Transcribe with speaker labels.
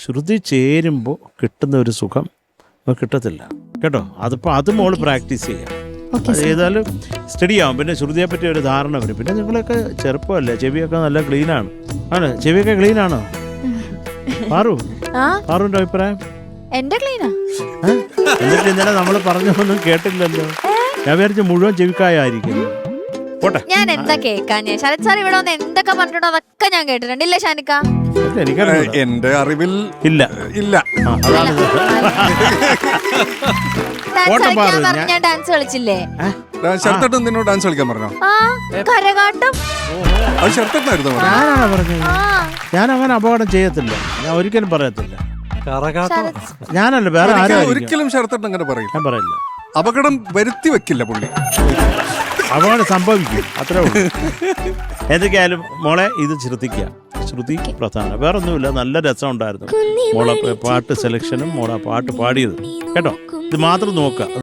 Speaker 1: ശ്രുതി ചേരുമ്പോൾ കിട്ടുന്ന ഒരു സുഖം കിട്ടത്തില്ല കേട്ടോ. അതിപ്പോൾ അത് മോള് പ്രാക്ടീസ് ചെയ്യാം. അത് ചെയ്താലും സ്റ്റഡി ആവും. പിന്നെ ശ്രുതിയെ പറ്റി ഒരു ധാരണ വരും. പിന്നെ നിങ്ങളൊക്കെ ചെറുപ്പമല്ലേ, ചെവിയൊക്കെ നല്ല ക്ലീനാണ്. ആണ്, ചെവിയൊക്കെ ക്ലീനാണോ പാറുവിന്റെ അഭിപ്രായം?
Speaker 2: എന്റെ ക്ലീനാ.
Speaker 1: എന്നിട്ട് ഇന്നലെ നമ്മൾ പറഞ്ഞൊന്നും കേട്ടില്ലല്ലോ. ഞാൻ വിചാരിച്ചു മുഴുവൻ ചെവിക്കായായിരിക്കും.
Speaker 2: ഞാൻ എന്താ കേക്കാഞ്ഞേ? ശരത് സാർ ഇവിടെ വന്ന് എന്തൊക്കെ പറഞ്ഞിട്ടുണ്ടോ അതൊക്കെ ഞാൻ കേട്ടിട്ടുണ്ട്. ഇല്ലേ ഷാനിക്ക?
Speaker 3: എന്റെ അറിവിൽ
Speaker 1: ഇല്ല.
Speaker 2: ഞാൻ ഡാൻസ് കളിച്ചില്ലേ?
Speaker 3: ശരത്തേട്ടൻ നിന്നോട് ഡാൻസ് കളിക്കാൻ പറഞ്ഞോ?
Speaker 2: കരകാട്ടം.
Speaker 1: ഞാനാണ് പറഞ്ഞത്. ഞാൻ അങ്ങനെ അപകടം ചെയ്യത്തില്ല, ഞാൻ ഒരിക്കലും പറയത്തില്ല. ഞാനല്ല, വേറെ ആരും
Speaker 3: ഒരിക്കലും ശരത്തേട്ടൻ അങ്ങനെ പറയില്ല.
Speaker 1: ഞാൻ പറയില്ല.
Speaker 3: അപകടം വരുത്തി വെക്കില്ല പുള്ളി.
Speaker 1: അപകടം സംഭവിക്കും, അത്രേ ഉള്ളൂ. എന്തൊക്കെയായാലും മോളെ ഇത് ശ്രദ്ധിക്കുക. ശ്രുതി പ്രധാനം, വേറൊന്നുമില്ല. നല്ല രസം ഉണ്ടായിരുന്നു മോളെ പാട്ട് സെലക്ഷനും മോളെ പാട്ട് പാടിയത് കേട്ടോ. ഇത് മാത്രം നോക്കുക.